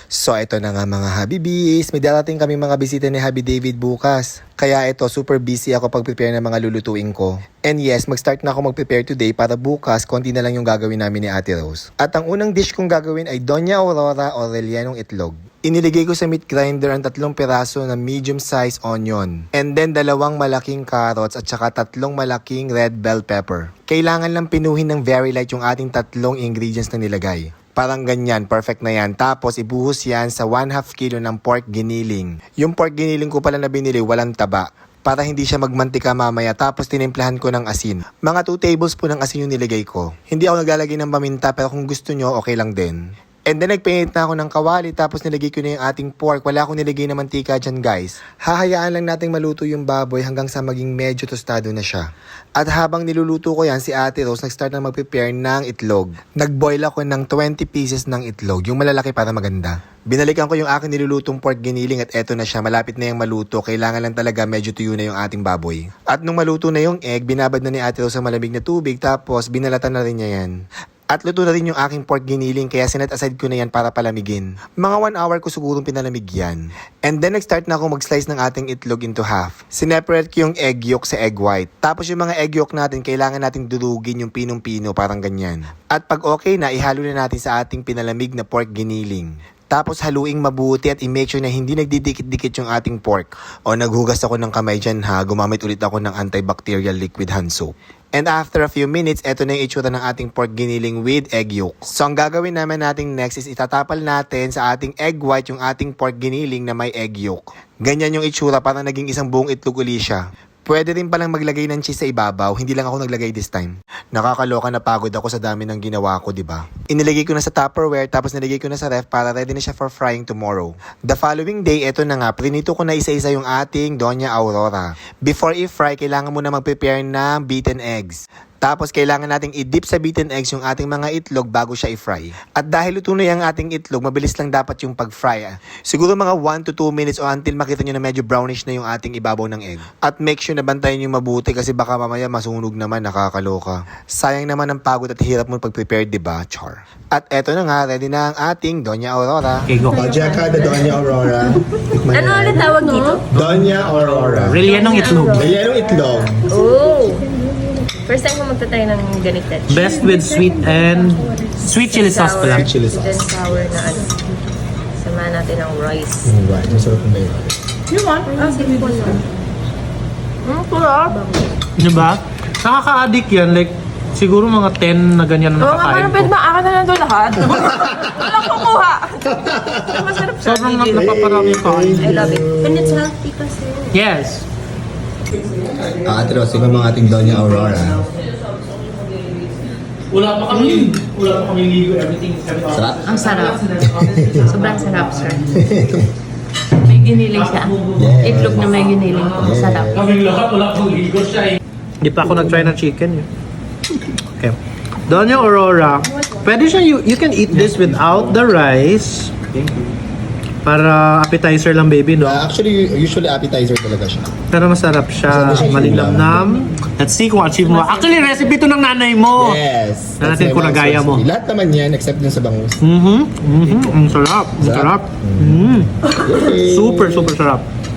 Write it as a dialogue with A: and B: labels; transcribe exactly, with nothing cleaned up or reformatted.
A: So ito na nga mga Habibis, may darating kami mga bisita ni Habi David bukas. Kaya ito, super busy ako pag-prepare ng mga lulutuin ko. And yes, mag-start na ako mag-prepare today para bukas, konti na lang yung gagawin namin ni Ate Rose. At ang unang dish kong gagawin ay Doña Aurora o rellenong itlog. Iniligay ko sa meat grinder ang tatlong piraso na medium-sized onion. And then dalawang malaking carrots at saka tatlong malaking red bell pepper. Kailangan lang pinuhin ng very light yung ating tatlong ingredients na nilagay. Parang ganyan, perfect na yan. Tapos ibuhos yan sa one half kilo ng pork giniling. Yung pork giniling ko pala na binili, walang taba. Para hindi siya magmantika mamaya, tapos tinimplahan ko ng asin. Mga two tablespoon ng asin yung niligay ko. Hindi ako naglalagay ng paminta, pero kung gusto nyo, okay lang din. And then nagpainit na ako ng kawali, tapos nilagay ko na yung ating pork. Wala akong nilagay na mantika dyan guys. Hahayaan lang nating maluto yung baboy hanggang sa maging medyo tostado na siya. At habang niluluto ko yan, si Ate Rose nag-start na mag-prepare ng itlog. Nag-boil ako ng twenty pieces ng itlog, yung malalaki para maganda. Binalikan ko yung aking nilulutong pork giniling at eto na siya, malapit na yung maluto. Kailangan lang talaga medyo tuyo na yung ating baboy. At nung maluto na yung egg, binabad na ni Ate Rose sa malamig na tubig, tapos binalatan na rin niya yan. At luto na rin yung aking pork giniling kaya sinet aside ko na yan para palamigin. Mga one hour ko sigurong pinalamig yan. And then nag-start na ako mag-slice ng ating itlog into half. Sineparate ko yung egg yolk sa egg white. Tapos yung mga egg yolk natin, kailangan nating durugin yung pinong-pino parang ganyan. At pag okay na, ihalo na natin sa ating pinalamig na pork giniling. Tapos haluing mabuti at i-make sure na hindi nagdidikit-dikit yung ating pork. O naghugas ako ng kamay dyan ha, gumamit ulit ako ng antibacterial liquid hand soap. And after a few minutes, eto na yung itsura ng ating pork giniling with egg yolk. So ang gagawin naman natin next is itatapal natin sa ating egg white yung ating pork giniling na may egg yolk. Ganyan yung itsura, parang naging isang buong itlog uli siya. Pwede rin palang maglagay ng cheese sa ibabaw, hindi lang ako naglagay this time. Nakakaloka na pagod ako sa dami ng ginawa ko, di ba? Inilagay ko na sa Tupperware tapos nilagay ko na sa ref para ready na siya for frying tomorrow. The following day, eto na nga, prinito ko na isa-isa yung ating Doña Aurora. Before i-fry, kailangan muna mag-prepare ng beaten eggs. Tapos kailangan nating i-dip sa beaten eggs yung ating mga itlog bago siya i-fry. At dahil luto na yung ating itlog, mabilis lang dapat yung pag-fry. Ah. Siguro mga one to two minutes o until makita nyo na medyo brownish na yung ating ibabaw ng egg. At make sure na bantayan yung mabuti kasi baka mamaya masunog naman, nakakaloka. Sayang naman ang pagod at hirap mo pag-prepare, diba? Char. At eto na nga, ready na ang ating Doña Aurora.
B: Okay, go.
A: Pajak ka na Doña Aurora.
C: Ano ulit tawag dito?
A: Doña Aurora.
B: Rellenong itlog.
A: Rellenong itlog.
C: Oh! First time ko magtatry ng ganito.
B: Best with sweet and sweet chili sauce pala.
A: Sweet chili sauce.
C: Then sour na ano. Samahan natin ng rice.
A: Right, masarap na yun.
C: You want? Ah, sige po na. Hmm, sarap.
B: Diba? Nakaka-addict yan. Like, siguro mga ten na ganyan na
C: Oo nga,
B: nakakain
C: parang pwede
B: ko.
C: ba akin na lang doon lahat? Walang kukuha. Masarap siya.
B: Sobrang na- napaparami yung kain.
C: I love it. And it's healthy kasi.
B: Yes.
A: Ah, Ate Rose, ikaw mga ating Doña Aurora.
B: Wala pa kami. Wala pa kami ligo. Everything is
A: Sarap?
C: Ang sarap. Sobrang sarap, sir. May giniling siya.
A: Yes.
C: Itlog na may giniling. Sarap.
B: Kaming lahat, wala pang ligo siya eh. Hindi pa ako nag-try ng chicken eh. Okay. Doña Aurora, pwede siya, you, you can eat this without the rice. Para appetizer lang baby, no?
A: Uh, actually, usually appetizer talaga siya.
B: Pero masarap siya,
A: Masarap siya,
B: malinamnam. Let's see kung achieve mo. Actually, recipe to ng nanay mo.
A: Yes.
B: Na natin
A: That's
B: kung
A: my mom's
B: nagaya mo.
A: recipe. Lahat naman yan except dun sa bangus.
B: Mhm. Mhm. Ang sarap. Ang sarap.
A: Sarap.
B: Mm.
A: Yay!
B: Super, super sarap.